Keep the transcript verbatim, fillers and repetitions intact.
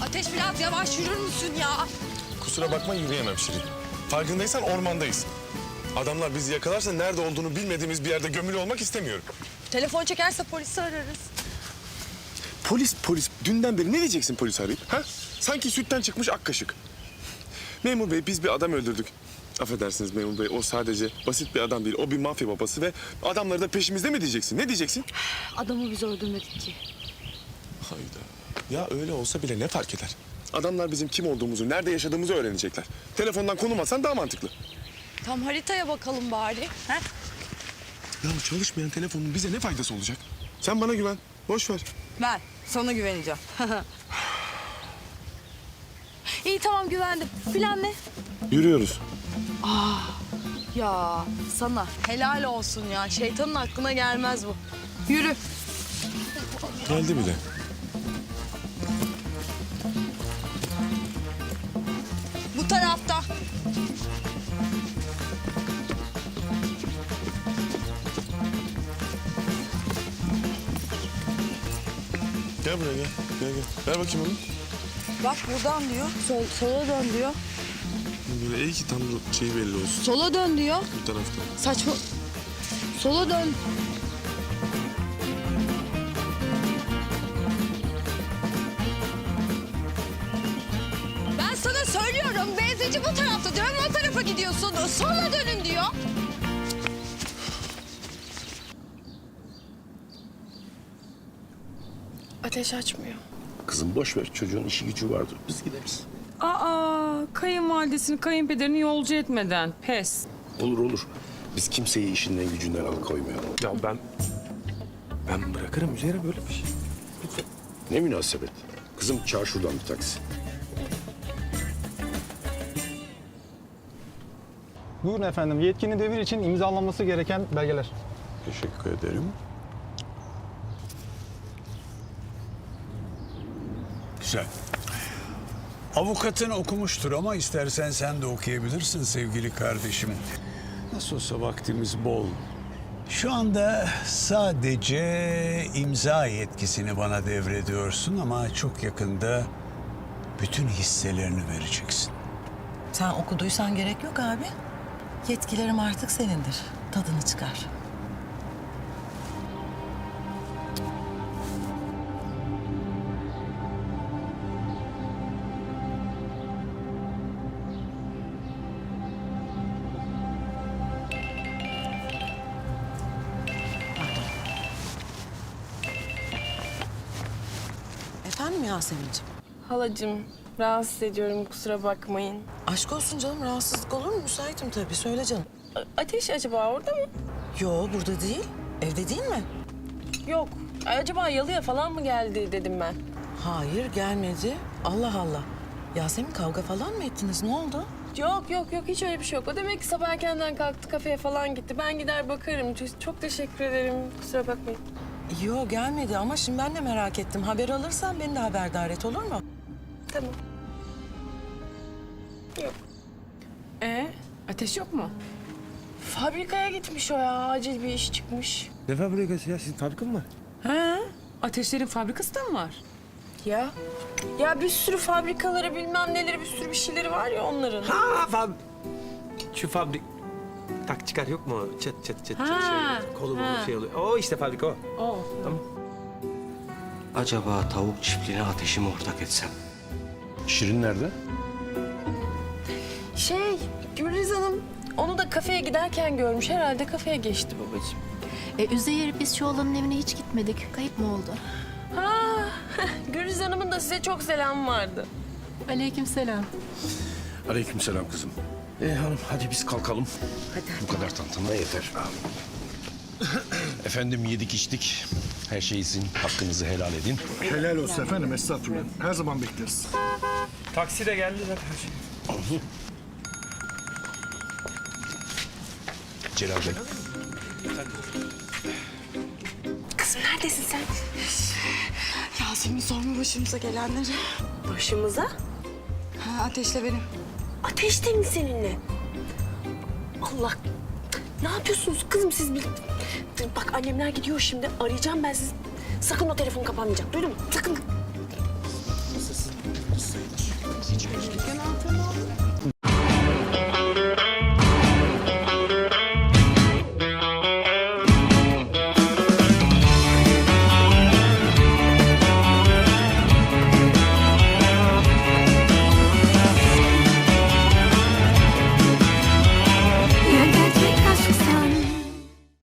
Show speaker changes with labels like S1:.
S1: Ateş biraz yavaş yürür müsün ya?
S2: Kusura bakma yürüyemem Şirin. Farkındaysan ormandayız. Adamlar bizi yakalarsa nerede olduğunu bilmediğimiz bir yerde gömülü olmak istemiyorum.
S1: Telefon çekerse polisi ararız.
S2: Polis polis. Dünden beri ne diyeceksin polis arayıp? Ha? Sanki sütten çıkmış ak kaşık. Memur bey biz bir adam öldürdük. Affedersiniz memur bey o sadece basit bir adam değil. O bir mafya babası ve adamları da peşimizde mi diyeceksin? Ne diyeceksin?
S1: Adamı biz öldürmedik ki.
S2: Hayda. Ya öyle olsa bile ne fark eder? Adamlar bizim kim olduğumuzu, nerede yaşadığımızı öğrenecekler. Telefondan konum atsan daha mantıklı.
S1: Tam haritaya bakalım bari. He?
S2: Ya çalışmayan telefonun bize ne faydası olacak? Sen bana güven. Boş ver.
S1: Ben sana güveneceğim. İyi tamam güvendim. Plan ne?
S2: Yürüyoruz.
S1: Ya sana helal olsun ya. Şeytanın aklına gelmez bu. Yürü.
S2: Geldi bile.
S1: Bu tarafta.
S2: Gel buraya gel. Gel gel. Ver bakayım onu.
S1: Bak buradan diyor. Sol, sola dön diyor.
S2: Böyle iyi ki tam şey belli olsun.
S1: Sola dön diyor.
S2: Bu tarafta.
S1: Saçma. Sola dön. Ben sana söylüyorum. Benzinci bu tarafta diyorum. O tarafa gidiyorsun. Sola dönün diyor.
S3: Ateş açmıyor.
S4: Kızım boş ver çocuğun işi gücü vardır. Biz gideriz.
S5: Aa, kayınvalidesini kayınpederini yolcu etmeden pes.
S4: Olur olur. Biz kimseyi işinden gücünden alıkoymayalım.
S6: Ya ben... Ben bırakırım üzerine böyle bir şey. Lütfen.
S4: Ne münasebet. Kızım çağır şuradan bir taksi.
S7: Buyurun efendim. Yetkini devir için imzalanması gereken belgeler.
S4: Teşekkür ederim.
S8: Güzel. Avukatın okumuştur ama istersen sen de okuyabilirsin sevgili kardeşim. Nasıl olsa vaktimiz bol. Şu anda sadece imza yetkisini bana devrediyorsun ama çok yakında bütün hisselerini vereceksin.
S9: Sen okuduysan gerek yok abi. Yetkilerim artık senindir. Tadını çıkar. Efendim Yasemin'ciğim?
S3: Halacığım, rahatsız ediyorum kusura bakmayın.
S9: Aşk olsun canım, rahatsızlık olur mu? Müsaitim tabii. Söyle canım.
S3: A- Ateş acaba orada mı?
S9: Yo, burada değil. Evde değil mi?
S3: Yok. Acaba yalıya falan mı geldi dedim ben.
S9: Hayır, gelmedi. Allah Allah. Yasemin kavga falan mı ettiniz? Ne oldu?
S3: Yok yok yok hiç öyle bir şey yok. O demek ki sabah erkenden kalktı kafeye falan gitti. Ben gider bakarım. Çok- Çok teşekkür ederim. Kusura bakmayın.
S9: Yo, gelmedi ama şimdi ben de merak ettim. Haber alırsan beni de haberdar et, olur mu?
S3: Tamam. Yok.
S5: Ee, ateş yok mu?
S3: Fabrikaya gitmiş o ya. Acil bir iş çıkmış.
S6: Ne fabrikası ya? Sizin fabrika mı var?
S5: He, ateşlerin fabrikası da mı var?
S3: Ya. Ya bir sürü fabrikaları bilmem neleri bir sürü bir şeyleri var ya onların.
S6: Ha fab... Şu fabrik... Tak çıkar yok mu? Çıt çıt çıt çıt
S5: Ha,
S6: şey, kolu
S5: ha.
S6: bulu şey oluyor. O işte fabrika o.
S5: O.
S6: Tamam.
S10: Acaba tavuk çiftliğine ateşimi ortak etsem?
S4: Şirin nerede?
S3: Şey, Gülriz Hanım onu da kafeye giderken görmüş. Herhalde kafeye geçti babacığım.
S11: E, Üzeyir biz şu oğlanın evine hiç gitmedik. Kayıp mı oldu?
S3: Ha, Gülriz Hanım'ın da size çok selam vardı.
S11: Aleykümselam.
S4: Aleykümselam kızım. Ee hanım hadi biz kalkalım. Hadi. Bu kadar tantana yeter. Efendim yedik içtik. Her şey sizin hakkınızı helal edin.
S2: Helal olsun efendim estağfurullah. Her zaman bekleriz.
S6: Taksi de geldi zaten.
S4: Celal Bey.
S3: Kızım neredesin sen?
S1: Yasemin sorma başımıza gelenleri.
S3: Başımıza?
S1: Ha, Ateşle benim.
S3: Ateşte mi seninle? Allah. Ne yapıyorsunuz kızım siz? Bir... Bak annemler gidiyor şimdi. Arayacağım ben sizi. Sakın o telefon kapanmayacak. Duydun mu? Sakın.
S5: Dükkan altı.